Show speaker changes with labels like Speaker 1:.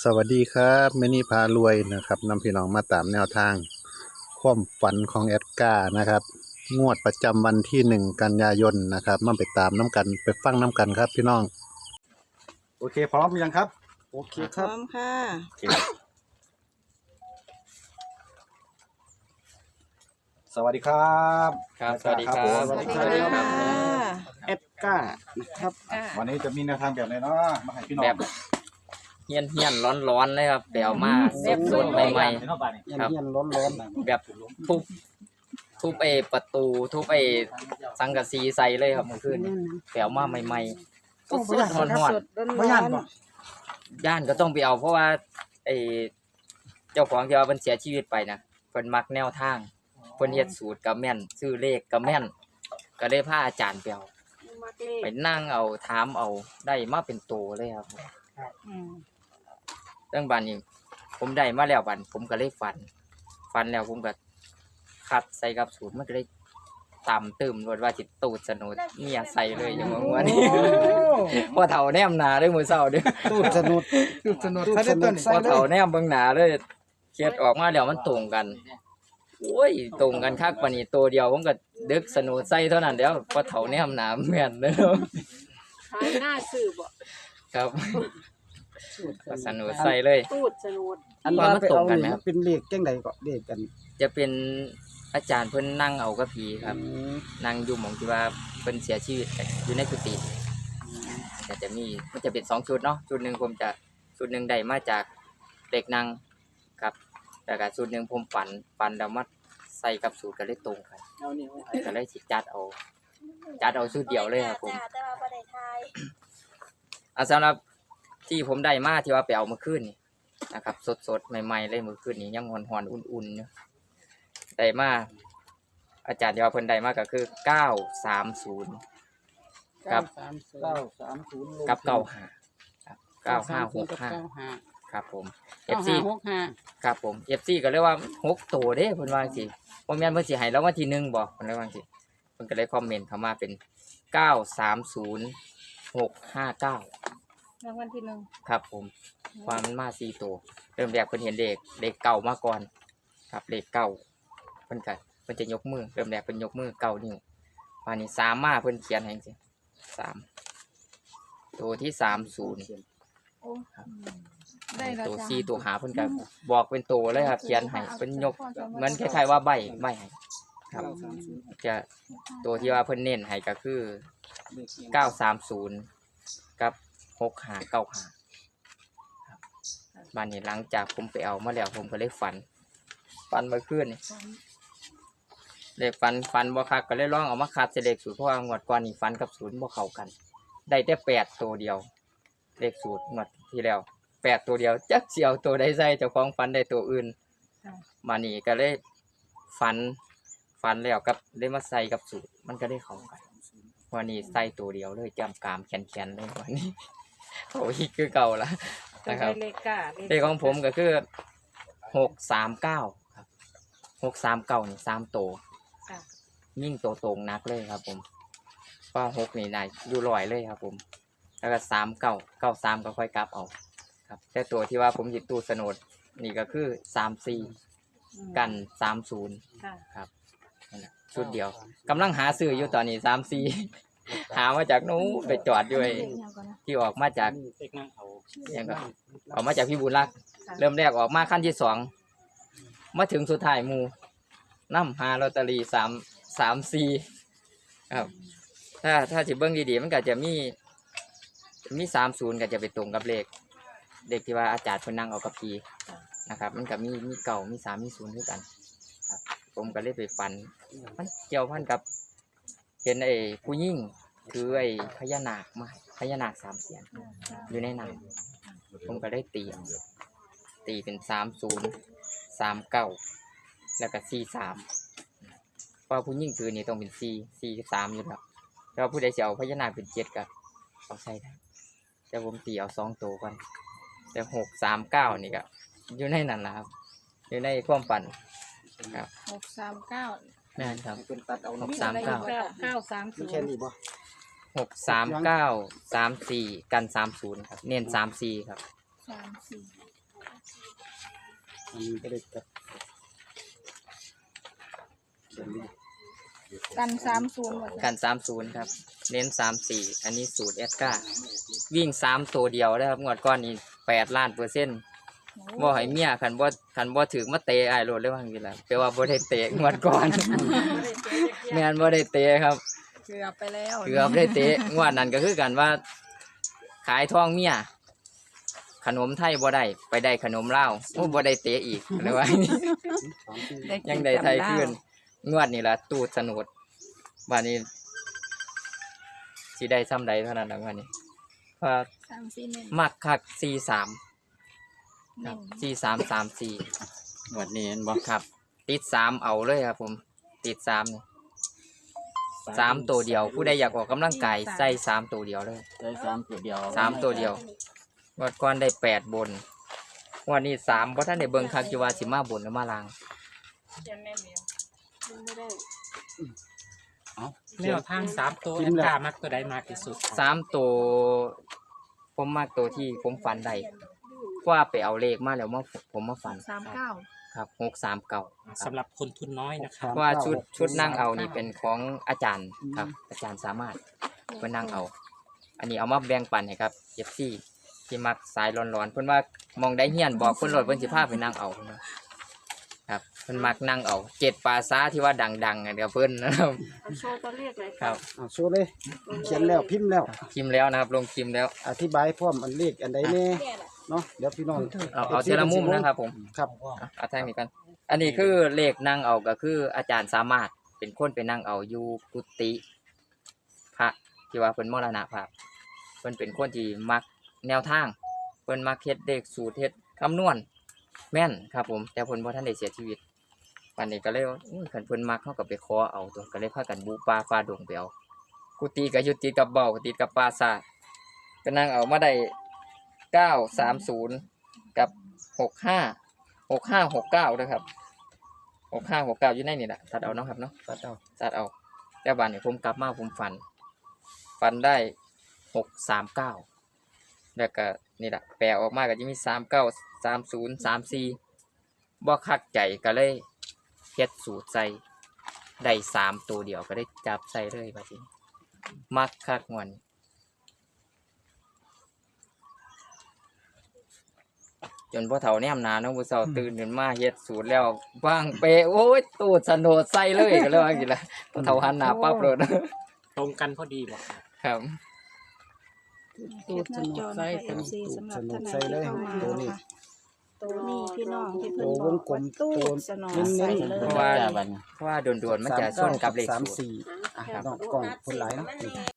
Speaker 1: สวัสดีครับแม่นี่พารวยนะครับนำพี่น้องมาตามแนวทางความฝันของแอดการ์นะครับงวดประจำวันที่1 กันยายนนะครับมาไปตามน้ำกันไปฟังน้ำกันครับพี่น้อง
Speaker 2: โอเคพร้อมยังครับโอเค
Speaker 3: พร้อมค่ะ
Speaker 2: โอเคสวัสดีครับ
Speaker 4: ครับสวัสดีครับ
Speaker 2: ผม
Speaker 3: สวัสดีค่ะ
Speaker 2: เอ็ดก้านะครับวันนี้จะมีแนวทางแบบไหนเนาะมาให้พี่น้อง
Speaker 4: แบบเฮียนร้อนเลยครับแปลวมาสดๆใหม่ๆครับ
Speaker 2: เย็นๆร้อน
Speaker 4: แบบทุบประตูทุบสังกะสีใส่เลยครับเมื่อคืนนี้แปลวมาใหม่ๆสดๆร้อน
Speaker 2: ๆไม่ย่านบ่
Speaker 4: ๆย่านก็ต้องไปเอาเพราะว่าไอ้เจ้าของที่ว่าเพิ่นเสียชีวิตไปนะเพิ่นมักแนวทางเพิ่นเฮ็ดสูตรก็แม่นซื้อเลขก็แม่นก็เลยพาอาจารย์ไปเอาไปนั่งเอาถามเอาได้มาเป็นโตเลยครับเรื่องบัดนี้ผมได้มาแล้วบัดผมก็เลยฝันแล้วผมก็คัดใส่กับสูตรมันก็เลยตำตึมรวดว่าสิตูดสนุดเมียใส่เลยอย่างว่านี้พอเฒ่าแนมหน้าเลยมื้อเช้าเด้อ
Speaker 2: ตูดสนุด
Speaker 4: พอเฒ่าแนมเบิ่งหน้าเลยเขียดออกมาแล้วมันตรงกันโอ้ยตรงกันคักปานนี้ตัวเดียวผมก็ดึกสนุดใส่เท่านั้นแล้วพอเฒ่าแนมหน้าแม่นเด้อ
Speaker 3: ขายหน้าสื่อบ่
Speaker 4: ครับก็สนุดใส่เลย
Speaker 3: ตูดสนุด
Speaker 2: อันว่ามันตรงกันไหมครับเป็นเลขจังใดก็เลขกัน
Speaker 4: จะเป็นอาจารย์เพิ่นนั่งเอากับผีครับนั่งอยู่หม่องที่ว่าเพิ่นเสียชีวิตอยู่ในกุฏิแต่จะมีมันจะเป็น2ชุดเนาะชุดหนึงผมจะชุดหนึงได้มาจากเด็กนั่งครับแล้วก็ชุดหนึงผมฝันแล้วมาใส่กับสูตรก็เลยตรงกันก็เลยสิจัดเอาชุดเดียวเลยครับผม
Speaker 3: แต่ว่าบ่ได้ทาย
Speaker 4: สำหรับที่ผมได้มาที่ว่าไปเอาเมื่อคืนนี่นะครับสดๆใหม่ๆเลยเมื่อคืนนี้ยังหอนๆอุ่นๆอยู่ได้มาอาจารย์ที่ว่าเพิ่นได้มาก็คือ930กับ
Speaker 2: 930
Speaker 4: กับ95ครับ9565ครับผม FC ครับผม FC ก็เลยว่า6ตัวเด้เพิ่นว่าจังซี่บ่แม่นเพิ่นสิให้รางวัลที่1บ่เพิ่นเลยว่าจังซี่เพิ่นก็เลยคอมเมนต์เข้ามาเป็น930659
Speaker 3: รางวัลที่หนึ่ง
Speaker 4: ครับผมความมันมา4ตัวเริ่มแรกเพิ่นเห็นเลขเก่ามาก่อนครับเลขเก่าเพิ่นจะยกมือเริ่มแรกเพิ่นยกมือ9 นิ้วปานนี้3มาเพิ่นเขียนให้จังซี่3ตัวที่30
Speaker 3: โอ้ได้แล้ว
Speaker 4: ตัว
Speaker 3: จ้ะ
Speaker 4: 4ตัว5เพิ่นก็บอกเป็นตัวเลยครับเขียนให้เพิ่นยกเหมือนคล้ายๆว่าใบให้ครับจะตัวที่ว่าเพิ่นเน้นให้ก็คือ930กับ6595ครับบ้านนี้หลังจากผมไปเอามาแล้วผมก็เลยฝันเมื่อคืนนี่เลขฝันบ่คักก็เลยลองเอามาคัดใส่เลขสูตรเพราะว่างวดก่อนนี่ฝันกับศูนย์บ่เข้ากันได้แต่8ตัวเดียวเลขสูตรงวดที่แล้ว8ตัวเดียวจักสิเอาตัวใดใส่เจ้าของฝันได้ตัวอื่นมานี่ก็เลยฝันแล้วกับได้มาใส่กับสูตรมันก็ได้เข้ากันวันนี้ใส่ตัวเดียวเลยจำกามแขนๆเลยวันนี้โอ้ยคือเก่าละนะครับเลขของผมก็คือ639ครับ639นี่3ตัวยิ่งตัวตรงนักเลยครับผมเพราะ6นี่นายอยู่ลอยเลยครับผมแล้วก็3993ก็ค่อยกลับเอาครับแต่ตัวที่ว่าผมหยิบตู้สนุดนี่ก็คือ34กัน30ครับชุดเดียวกำลังหาซื้ออยู่ตอนนี้34หามาจากนู้นไปจอดด้วยที่ออกมาจากยังก็ออกมาจากพี่บุญรักเริ่มแรกออกมาขั้นที่2มาถึงสุดท้ายหมู่นำหาลอตเตอรี่334ครับถ้าสิเบิ่งดีๆมันก็จะมี30ก็จะไปตรงกับเลขที่ว่าอาจารย์เพิ่นนั่งเอากับพี่นะครับมันก็มีเก่ามี3มี0ด้วยกันครับผมก็เลยไปฝันมันเกี่ยวพันกับเห็นผู้หญิงคือพญานาคมาพญานาค3 เสียนอยู่ในน้ำผมก็ได้ตีเป็น3039แล้วก็43เพราะผู้หญิงคือนี่ต้องเป็น43อยู่แล้วแล้วผู้ใดจะเอาพญานาคเป็น7ก็เอาใส่ได้แต่ผมตีเอา2ตัวก่อนแต่639นี่ก็อยู่ในนั้นนะครับอยู่ในความฝันครับ
Speaker 3: 639
Speaker 4: นั่นครับ
Speaker 2: เป็นตัดเอา
Speaker 3: 930
Speaker 2: แค่นี้บ่
Speaker 4: 63934กัน30ครับเน้น34ครับ
Speaker 3: 34
Speaker 2: อันนี้ก็ได้กับเขียนเลย
Speaker 3: กัน30หมด
Speaker 4: กัน30ครับ เน้น34อันนี้สูตรแอดก้าวิ่ง3ตัวเดียวนะครับงวดก้อนนี้8 ล้านเปอร์เซ็นต์บ่ให้เมียคันบ่ถึงมาเตะอ้ายโลดเลยว่าจังซี่ล่ะแปลว่าบ่ได้เตะงวดก่อน แม่นบ่ได้เตะครับ
Speaker 3: เกือบไปแล้ว
Speaker 4: เกือบได้เตะงวดนั้นก็คือกันว่า ขายทองเมียขนมไทยบ่ได้ไปได้ขนมลาวโอ้บ่ได้เตะอีกเลยว่า ยังได้ไทยขึ้นงวดนี่ล่ะตูดสนุดบัดนี้สิได้ซ้ำใดเท่านั้นล่ะงวดนี้เพราะ
Speaker 3: 34เน้น
Speaker 4: มักคัก43ค
Speaker 3: เน้
Speaker 4: รับ
Speaker 3: น
Speaker 4: 4334
Speaker 2: หมวดนี้เห็นบ่
Speaker 4: ครับ ติด3เอาเลยครับผมติด3นี่3ตัวเดียว ผู้ใดอยากออกกำลังกายใส่3ตัวเดียวเลย
Speaker 2: ได้3ตัวเดียว
Speaker 4: 3ตัวเดียวงวดก่อนได้8บนงวดนี้3บ่ทันได้เบิ่งคักอยู่ว่าสิมาบนหรือมาล่าง
Speaker 5: แนวทาง3ตัวแอดกามักตัวใดมากที่สุด
Speaker 4: 3ตัวผมมักตัวที่ผมฝันได้ว่าไปเอาเลขมาแล้วผมมาฝัน
Speaker 3: 39
Speaker 4: ครับ639
Speaker 5: สำหรับคนทุนน้อยนะครับ
Speaker 4: เพราะว่าชุดนั่งเอานี่เป็นของอาจารย์ครับ อาจารย์สามารถเพิ่นนั่งเอา อันนี้เอามาแบ่งปันให้ครับ FC ที่มักสายร้อนๆเพิ่นว่ามองได้เฮียนบอกเพิ่นโลดเพิ่นสิพาไปนั่งเอาเพิ่นว่าครับเพิ่นมักนั่งเอา7ปราสาทที่ว่าดังๆอะเดี๋ยวเพิ่นนะครับ
Speaker 3: โชว์ตัวเลขเลย
Speaker 4: ครับ
Speaker 2: โชว์เลยเขียนแล้วพิมพ์แล้ว
Speaker 4: พิมพ์แล้วนะครับลงพิมพ์แล้ว
Speaker 2: อธิบายพร้อมอันเลขอันใดแน่เนาะเดี๋ยวพี่น้อง
Speaker 4: เอาทีละมุมนะครับผม
Speaker 2: ครับ
Speaker 4: เอาทางนี้กัน อันนี้คือเลขนั่งเอาก็คืออาจารย์สามารถเป็นคนไปนั่งเอาอยู่กุฏิพระที่ว่าเพิ่นมรณภาพเพิ่นเป็นคนที่มักแนวทางเพิ่นมักเฮ็ดเลขสูตรเฮ็ดคำนวณแม่นครับผมแต่เพิ่นบ่ทันได้เสียชีวิตวันนี้ก็เลยว่าคันเพิ่นมักเฮาก็ไปขอเอาตัวก็เลยพากันบูป่าฟ้าดงไปเอากุฏิก็อยู่ติดกับเบ้าติดกับปราสาทก็นั่งเอามาได้930กับ6569นะครับ6569อยู่ในนี่แหละตัดเอาเนาะครับเนาะ
Speaker 2: ตัดเอา
Speaker 4: ตัดเอาแต่บัดนี้ผมกลับมาผมฝันได้639แล้วก็นี่แหละแปลออกมาก็จะมี39 30 34บ่คักใจก็เลยเฮ็ดสูตรใส่ได้3ตัวเดียวก็ได้จับใส่เลยบัดนี้มักคักม่วนจนพ่อเฒ่าแนมหนาเนาะผู้เฒ่าตื่นขึ้นมาเฮ็ดสูตรแล้วบ้างเปโอ้ยตูดสนโดดใส่เลยก็เลยว่าจังซี่ล่ะพ่อเฒ่าหันหน้าปั๊บเลย
Speaker 5: ตรงกันพอดีบอก
Speaker 4: ครับ
Speaker 3: ตูดสนุกใส่เป็นซีสำหรับท่านไหนที่เข้ามานะคะตัวนี้พี่น้องที่เพิ่นบอกว่าตูดสนุกใส่เลย
Speaker 4: เพราะว่าโดนๆมันจะส่วนกับเลข
Speaker 2: 3
Speaker 4: สูตร
Speaker 2: 4อ่ะน้องกล้องคนหลายเนาะ